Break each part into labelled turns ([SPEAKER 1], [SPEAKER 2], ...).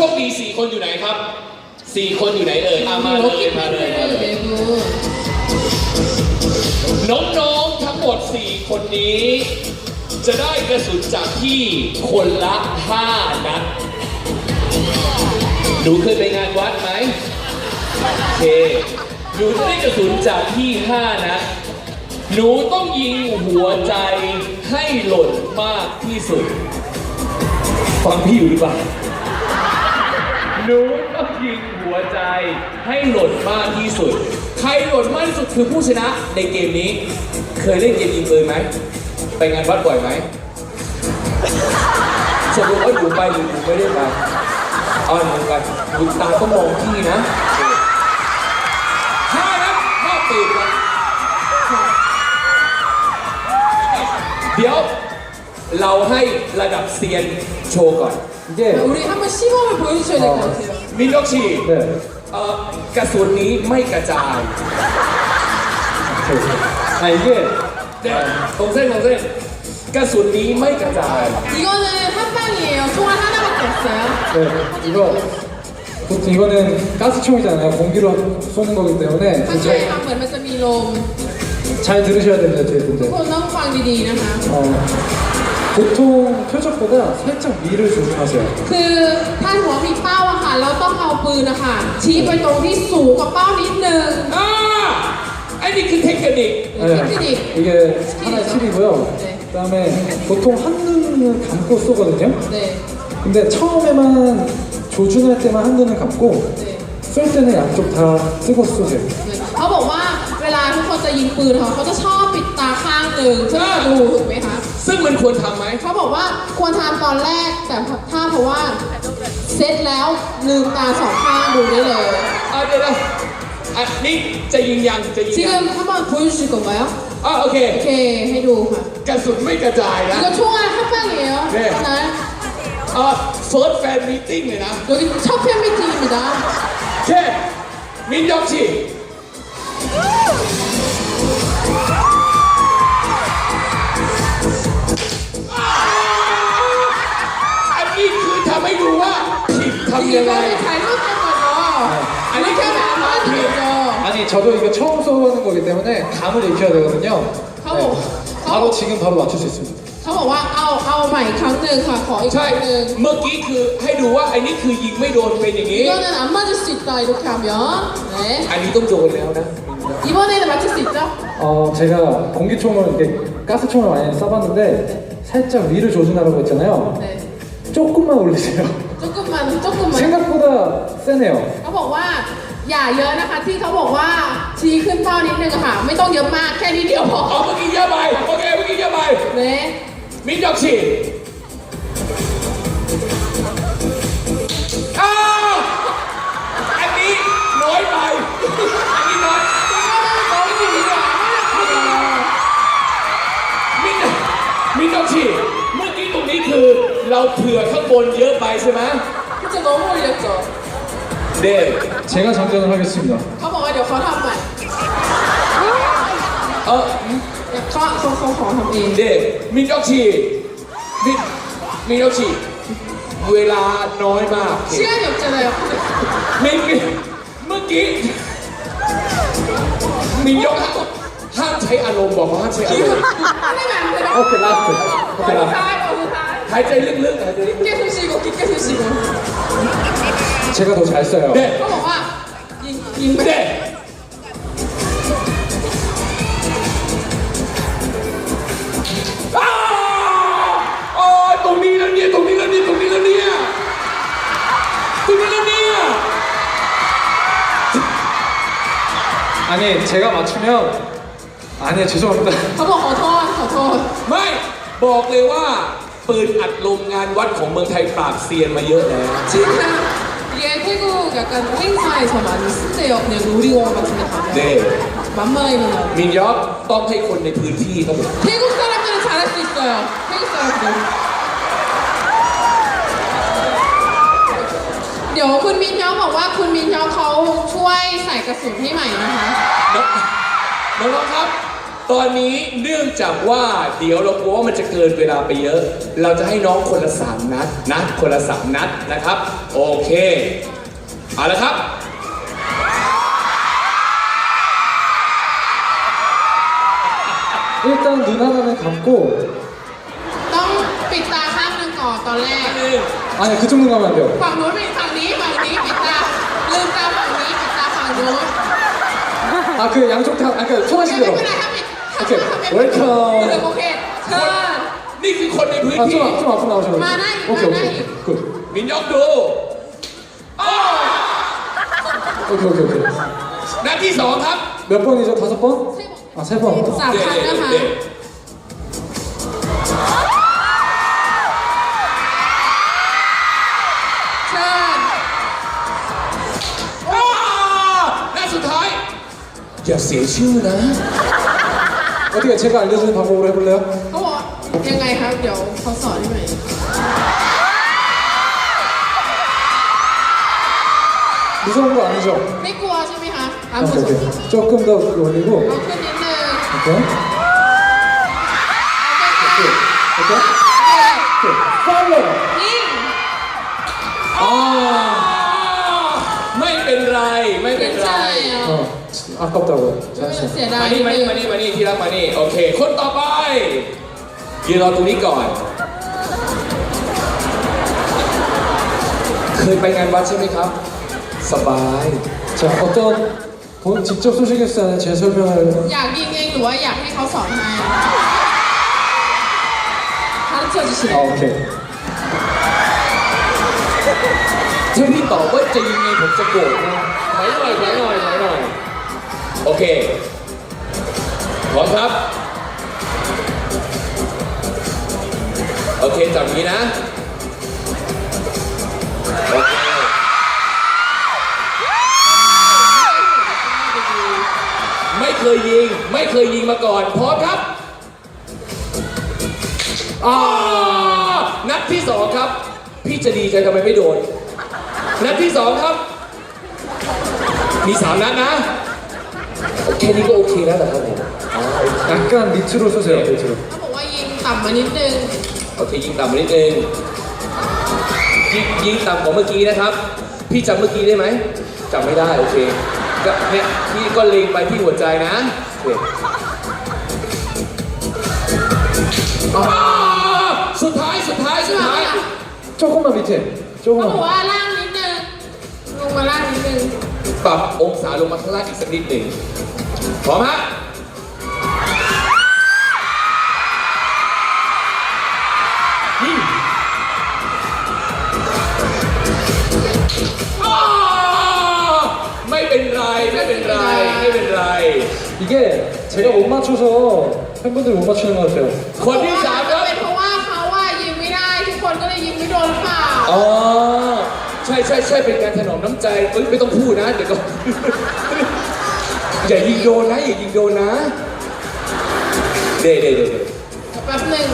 [SPEAKER 1] คดี4 คนอยู่ไหนครับ4 คนอยู่ไหนเอ่ยมาเลยมาเลยน้องๆทั้งหมด4 คนนี้จะได้กระสุนจากที่คนละ5 นัดหนูเคยไปงานวัดไหมโอเคหนูจะได้กระสุนจากที่5 นัดหนูต้องยิงหัวใจให้หล่นมากที่สุดฟังพี่อยู่หรือเปล่าหนูต้องยิงหัวใจให้หล่นมากที่สุดใครหล่นมากที่สุดคือผู้ชนะในเกมนี้เคยเล่นเกมยิงปืนไหมไปงานวัดบ่อยไหมสรุปว่าหนูไปหรือหนูไม่ได้ไปหนูไปหนูตาต้องมองพี่นะ5 นัด5 ปีกันเดี๋ยวเราให้ระดับเซียนโชว์ก่อน
[SPEAKER 2] 우리 한번 시범을 보여주셔야 될 것 같아요.
[SPEAKER 1] มินด็อกชีกระสุนนี้ไม่กระจาย
[SPEAKER 3] 이게
[SPEAKER 1] 동생กระสุนนี้ไม่กระจาย
[SPEAKER 2] 이거는 한 방이에요. 총알 하나밖에 없어요.
[SPEAKER 3] 네, 이거는 가스총이잖아요. 공기로 쏘는 거기 때문에
[SPEAKER 2] ข้างในทำเหมือนมันจะมีลม
[SPEAKER 3] 잘 들으셔야 됩니다, 저희
[SPEAKER 2] ทุก
[SPEAKER 3] 분들.
[SPEAKER 2] คนต้องฟังดีๆนะคะ
[SPEAKER 3] 보통 표적보다 살짝 위를 조심하세요.
[SPEAKER 2] คือถ้าหัวมีเป้าอะค่ะเราต้องเอาปืนนะคะชี้ไปตรงที่สูงกว่าเป้านิดนึง
[SPEAKER 1] ไอ้นี่คือเทคนิค
[SPEAKER 2] ที
[SPEAKER 3] 이게 하나의 팁이고요.
[SPEAKER 2] 네.
[SPEAKER 3] 그다음에 보통 한 눈은 감고 쏘거든요.
[SPEAKER 2] เด็ก
[SPEAKER 3] 근데 처음에만 조준할 때만 한 눈은 감고
[SPEAKER 2] เด็ก
[SPEAKER 3] 쏠 때는 양쪽 다 뜨고 쏘세요.
[SPEAKER 2] เขาบอกว่าเวลาทุกคนจะยิงปืนเขาจะชอบปิดตาข้างหนึ่งเพื่อจะดูถูกไหมคะ
[SPEAKER 1] ซึ่งมันควรทำไหม
[SPEAKER 2] เขาบอกว่าควรทำตอนแรกแต่ถ้าเพราะว่าเซตแล้วลืมตา2 ข้างดูได้เลย
[SPEAKER 1] เดี๋ยวอันนี้จะยิงยังจะยิงยัง
[SPEAKER 2] 지금 한번 보여주실 건가요?
[SPEAKER 1] โอเค
[SPEAKER 2] โอเคให้ดูค่ะ
[SPEAKER 1] กระสุนไม่กระจายนะ
[SPEAKER 2] 이거 총알 한 방이에요.
[SPEAKER 1] 네.
[SPEAKER 2] 하나.
[SPEAKER 1] first fan meeting เลยนะ
[SPEAKER 2] 여기 첫 팬미팅입니다.
[SPEAKER 1] เช่มินด็อกชีอันนี้คือทำให้ดูว่าผิดทำยังไง
[SPEAKER 2] 이거는 잘못된 거죠. 이렇게 하면 안 되죠.
[SPEAKER 3] 아니 저도 이거 처음 쏘는 거기 때문에 감을 익혀야 되거든요.
[SPEAKER 2] 가보.
[SPEAKER 3] 바로 지금 바로 맞출 수 있습니다.
[SPEAKER 2] เขาบอกว่าเอาใหม่อีกครั้งหนึ่งค่ะขออีกค
[SPEAKER 1] ใช่
[SPEAKER 2] รั้งหนึ่ง
[SPEAKER 1] เมื่อกี้คือให้ดูว่าไอ้นี่คือยิงไม่โดนเป็นอย่างนี้
[SPEAKER 2] 이거는 안 맞을 수 있다 이렇게 하면 네
[SPEAKER 1] อันนี้ต้องโดนแล้วนะ
[SPEAKER 2] 이번에는 맞출 수 있죠?
[SPEAKER 3] 제가 공기총을 이렇게 가스총을 많이 쏴봤는데 살짝 위를 조준하라고 했잖아요.
[SPEAKER 2] 네
[SPEAKER 3] 조금만 올리세요.
[SPEAKER 2] 조금만
[SPEAKER 3] 생각보다 세네요.
[SPEAKER 2] เขาบอกว่าอย่าเยอะนะคะที่เขาบอกว่าชี้ขึ้นเป้านิดนึงอะค่ะไม่ต้องเยอะมากแค่นี้เดียวพอ
[SPEAKER 1] เมื่อกี้เยอะไปโอเคเมื่อกี้เยอะไป
[SPEAKER 2] เน่
[SPEAKER 1] มินด็อกชีอันนี้น้อยไปอันนี้น้อยมินด็อกชีเมื่อกี้ตรงนี้คือเราเผื่อข้างบนเยอะไปใช่ไหม
[SPEAKER 2] จะล้มหัวเยอะจ้ะ
[SPEAKER 1] เด็ก
[SPEAKER 3] 제가 장전을 하겠습니다.
[SPEAKER 2] เขาบอกว่าเดี๋ยวเขาทำใหม่เขาขอทำเอง
[SPEAKER 1] เด็กมินด็อกชีมินด็อกชีเวลาน้อยมาก
[SPEAKER 2] เชื่อเดี๋ยวจะเลย
[SPEAKER 1] มินเมื่อกี้มินยกห้ามใช้อารมณ์บอกว่าห้ามใช้อารมณ์
[SPEAKER 2] ไม่แบบเลยนะ
[SPEAKER 3] 오케이 라스트.
[SPEAKER 2] สุด
[SPEAKER 3] 오케이
[SPEAKER 2] ท้าย
[SPEAKER 3] 라스트.
[SPEAKER 2] สุดท้าย
[SPEAKER 1] หายใจลึกๆหายใจลึก
[SPEAKER 2] กิ๊กแก้ซูชิโก
[SPEAKER 3] 제가 더 잘 쏴요.
[SPEAKER 1] ๆเด็ก
[SPEAKER 2] เขาบอกว่ายิงไป
[SPEAKER 1] เด็กตรงนี้แล้วเนี่ยตรงนี้แล้วเนี่ยตรงนี้แล้วเนี่ยตรงนี้แล้วเนี่ย
[SPEAKER 3] 아니 제가 맞추면 아니 죄송합니다.
[SPEAKER 2] เขาบอกขอโทษ
[SPEAKER 1] ไม่บอกเลยว่าปืนอัดลมงานวัดของเมืองไทยปราบเซียนมาเยอะแล้ว
[SPEAKER 2] 지금 이게 태국 약간 행사에서 많이 쓴대요. 그냥 놀이공원 같은 데 가면.
[SPEAKER 1] 네.
[SPEAKER 2] 만만하면
[SPEAKER 1] มินยอกต้องให้คนในพื้นที่ครับผม
[SPEAKER 2] 태국 사람들은 잘할 수 있어요. 태국 사람들. เดี๋ยวคุณมินยอกบอกว่าคุณมินยอกเขาช่วยใส่กระสุนให้ใหม่นะคะ
[SPEAKER 1] น้องๆครับตอนนี้เนื่องจากว่าเดี๋ยวเรากลัวว่ามันจะเกินเวลาไปเยอะ เราจะให้น้องคนละ3นัดนะคนละ3นัดนะครับ โอเค เอาละครับ
[SPEAKER 3] 일단 눈 하나는 감고
[SPEAKER 2] ต้องปิดตาข้างหนึ่งก่อนตอนแรก
[SPEAKER 3] 아니 그쪽 눈 가면 안 돼요.
[SPEAKER 2] ฝั่งนู้นปิดฝั่งนี้ฝั่งนี้ปิดตาลืมตาฝั่งนี้ปิดตาฝั่งนู้น
[SPEAKER 3] 아 그 양쪽 다 아까
[SPEAKER 2] ไม่
[SPEAKER 3] 손하신
[SPEAKER 2] เป็น
[SPEAKER 3] 대로.
[SPEAKER 2] ไรครับปิด
[SPEAKER 3] โอเค 웰컴.
[SPEAKER 2] โอเคเชิญ
[SPEAKER 1] นี่คือคนในพื้นที่
[SPEAKER 3] 아좀 앞으로 나오셔도.
[SPEAKER 2] 많아,
[SPEAKER 3] 오케이
[SPEAKER 2] 많아.
[SPEAKER 3] 오케이 굿.
[SPEAKER 1] มินยกดูอ้าว
[SPEAKER 3] 오케이 오케이 오케이.
[SPEAKER 1] นัดที่2ครับ
[SPEAKER 3] 몇 번이죠? 5번? 아 3번.
[SPEAKER 2] สามครั้งนะคะ
[SPEAKER 1] เด็ด
[SPEAKER 2] เชิญ
[SPEAKER 1] อ้าวนัดสุดท้าย อย่าเสียชื่อนะ
[SPEAKER 3] 어떻게 제가 알려주는 방법으로 해볼래요?
[SPEAKER 2] เขาบอกยังไงครับ เดี๋ยวเขาสอนให้ใหม่
[SPEAKER 3] 무서운 거 아니죠?
[SPEAKER 2] ไม่กลัวใช่ไหมคะ
[SPEAKER 3] 오케이 오케이. 조금 더 올리고.
[SPEAKER 2] เอาขึ้นนิดนึง
[SPEAKER 3] 오케이. 오케이. 오케이. 팔로우.
[SPEAKER 2] ยิ่ง
[SPEAKER 1] อ้าวไม่เป็นไร ไม่เป็นไร
[SPEAKER 2] ใช่เหรอ
[SPEAKER 3] 아깝다고.
[SPEAKER 2] เ
[SPEAKER 3] 잘했어.
[SPEAKER 2] สียดา
[SPEAKER 1] มาย นี่มานี่มานี่มานี่ที่รักมานี่โอเค คนต่อไปยืนรอตรงนี้ก่อน เคยไปงานวัดใช่ไหมครับ สบาย
[SPEAKER 3] 자 어떤 본 직접 소식일사는 제 설명을
[SPEAKER 2] อยากยิงเองหรือว่าอยากให้เขาสอนให้เขาเชื่อจะชิม
[SPEAKER 3] 아 오케이.
[SPEAKER 1] ถ้าพี่ตอบว่าจะยิงไงผมจะโกรธนะถอยหน่อยถอยหน่อยถอยหน่อยโอเคพร้อมครับ โอเคจับอย่างนี้นะโอเคไม่เคยยิงมาก่อนพร้อมครับนัดที่2ครับ พี่จะดีใจทำไมไม่โดน นัดที่2ครับ มี3นัดนะแค่นี้ก็โอเคแล้วเหรอครับผม
[SPEAKER 3] 약간 밑으로 쏘세요. 밑으로.
[SPEAKER 2] เขาบอกว่ายิงต่ำมานิดนึง
[SPEAKER 1] โอเคยิงต่ำมานิดนึงยิงต่ำกว่าเมื่อกี้นะครับ พี่จำเมื่อกี้ได้ไหมจำไม่ได้โอเคก็เนี่ยพี่ก็เล็งไปที่หัวใจนะโอเคสุดท้าย
[SPEAKER 3] 조금만 밑에.
[SPEAKER 2] เขาบอก
[SPEAKER 3] 조금만.
[SPEAKER 2] ว่าล่างนิดนึง ลงมาล่างนิดนึง
[SPEAKER 1] ปรับองศาลงมาข้างล่างอีกสักนิดหนึ่งพร้อมฮะยิงไม่เป็นไร
[SPEAKER 3] 이게 제가 못 맞춰서 팬분들이 못 맞추는 것 같아요.
[SPEAKER 1] คนที่สามครับ
[SPEAKER 2] เป็นเพราะว่าเขาว่ายิงไม่ได้ ทุกคนก็เลยยิงไม่โดนหรือเปล่า
[SPEAKER 1] อ๋อใช่เป็นการถนอมน้ำใจเอ้ยไม่ต้องพูดนะเดี๋ยวก็ อย่ายิงโดนนะเดี๋ยว
[SPEAKER 2] แป๊บหนึ่ง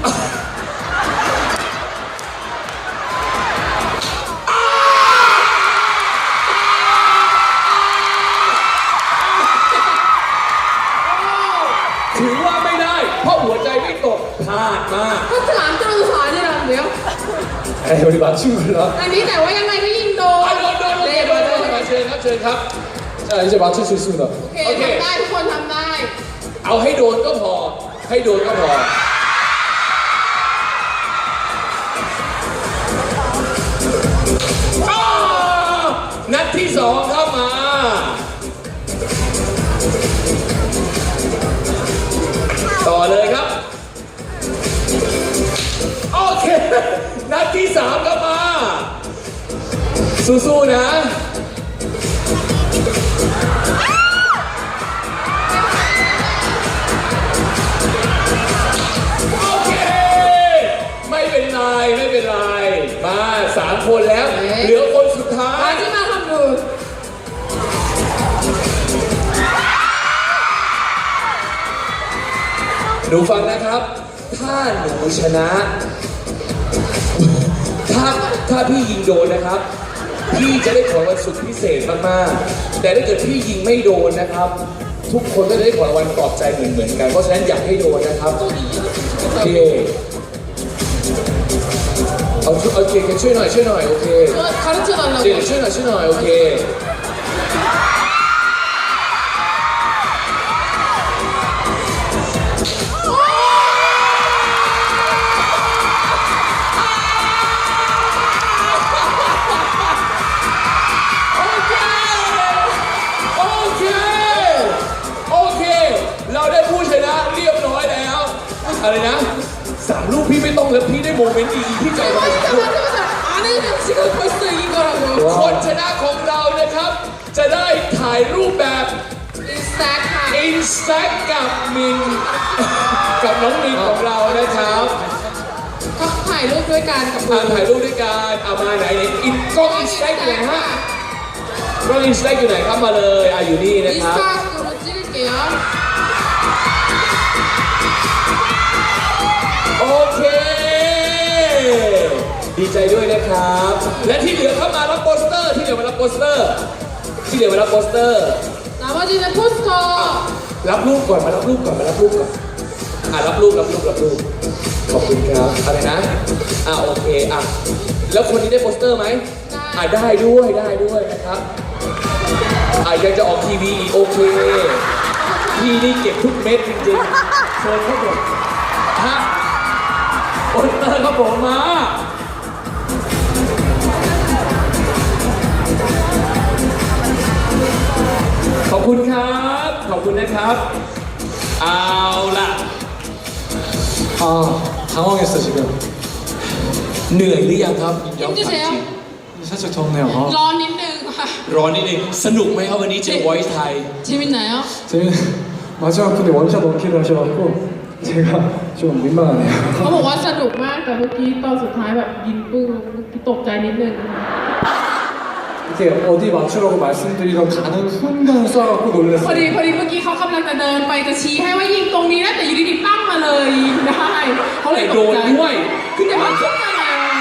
[SPEAKER 1] ถือว่าไม่ได้ เพราะหัวใจไม่ตกพลาดมาก
[SPEAKER 2] ก็ถามตรงสอนนี่แหละเดี๋ยว
[SPEAKER 3] 에이 우리 맞춘 걸로.
[SPEAKER 2] อันนี้แต่ว่ายังไงก็ยิงโดน
[SPEAKER 1] โดนโดนเชิญครับ
[SPEAKER 3] 자 이제 맞출 수 있습니다.
[SPEAKER 2] โอเคทำได้ทุกคนทำได้
[SPEAKER 1] เอาให้โดนก็พอ อ้าวนัดที่2เข้ามา ต่อเลยครับ โอเค นัดที่3เข้ามา สู้ๆนะ โอเค ไม่เป็นไร มา3 คนแล้ว เหลือคนสุดท้าย
[SPEAKER 2] มาที่มาทำดู
[SPEAKER 1] หนูฟังนะครับ ถ้าหนูชนะ ถ้าพี่ยิงโดนนะครับ พี่จะได้ของวันสุดพิเศษมากๆ แต่ถ้าเกิดพี่ยิงไม่โดนนะครับทุกคนก็จะได้ของรางวัลปลอบใจเหมือนกัน เพราะฉะนั้นอยากให้โดนนะครับ โอเคเอาโอเคช่วยหน่อยโอเค
[SPEAKER 2] 가르쳐달라고.
[SPEAKER 1] ช่วยหน่อยโอเคโอเค เราได้ผู้ชนะเรียบร้อยแล้ว อะไรนะ3 ลูกพี่ไม่ต้องแล้วพี่ได้โมเมนต์ดีๆพี่จะเอาไป3 ลูก
[SPEAKER 2] 아내는 지금 벌써 이긴 거라고요.
[SPEAKER 1] คนชนะของเรานะครับ จะได้ถ่ายรูปแบบ
[SPEAKER 2] 인스타카.
[SPEAKER 1] อินสแตกกับมิน กับน้องมินของเรานะครับ
[SPEAKER 2] ก็ถ่ายรูปด้วยกันกับ
[SPEAKER 1] ถ่ายรูปด้วยกันเอามาไหนกล้องอินสแตกอยู่ไหนฮะกล้องอินสแตกอยู่ไหนครับมาเลยอยู่นี่นะครับ
[SPEAKER 2] 인스타로 찍을게요.
[SPEAKER 1] โอเค ดีใจด้วยนะครับ และที่เหลือเข้ามารับโปสเตอร์ ที่เหลือมารับโปสเตอร์
[SPEAKER 2] 나머지는 포스터.
[SPEAKER 1] รับรูปก่อนมารับรูปก่อนรับรูป ขอบคุณครับ อะไรนะ โอเค แล้วคนนี้ได้โปสเตอร์ไหมได้ด้วยนะครับยังจะออกทีวีอีกโอเค พี่นี่เก็บทุกเม็ดจริงๆเชิญครับผมโปสเตอร์ครับผมมา ขอบคุณครับ ขอบคุณนะครับ เอาล่ะ
[SPEAKER 3] 당황했어 지금.
[SPEAKER 1] เหนื่อยหรือยังครับ
[SPEAKER 2] 힘드세요?
[SPEAKER 3] 살짝 덥네요.
[SPEAKER 2] 런닝.
[SPEAKER 1] ร้อนนิดนึงสนุกไหมครับวันนี้เจอ Voice ไทย
[SPEAKER 2] 재밌나요?
[SPEAKER 3] 재밌는 마지막 분에 원샷 원킬을 하셔갖고 제가 좀 민망하네요.
[SPEAKER 2] เขาบอกว่าสนุกมากแต่เมื่อกี้ตอนสุดท้ายแบบยิงปึ้งตกใจนิดนึง
[SPEAKER 3] 이렇게 어디 맞추라고 말씀드리러 가는 순간 쏴갖고
[SPEAKER 2] พอ
[SPEAKER 3] 놀랐어요.
[SPEAKER 2] ดีเมื่อกี้เขากำลังจะเดินไปจะชี้ให้ว่ายิงตรงนี้นะแต่อยู่ดีๆตั้งมาเลยยิงได้เขาเลยตกใจ
[SPEAKER 1] โดนด้วย
[SPEAKER 2] คือจะมาชุบกันเลย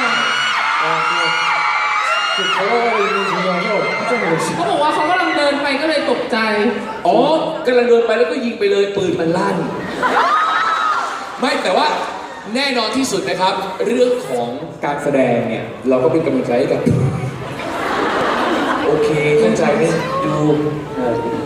[SPEAKER 3] 그 걸어가고 있는 중이라서 깜짝 놀랐어요.
[SPEAKER 2] เขาบอกว่าเขากำลังเดินไปก็เลยตกใจ
[SPEAKER 1] อ๋อกำลังเดินไปแล้วก็ยิงไปเลยปืนมันลั่น ไม่แต่ว่าแน่นอนที่สุดนะครับ เรื่องของการแสดงเนี่ย เราก็เป็นกำลังใจให้กับ โอเคเข้าใจไหมดู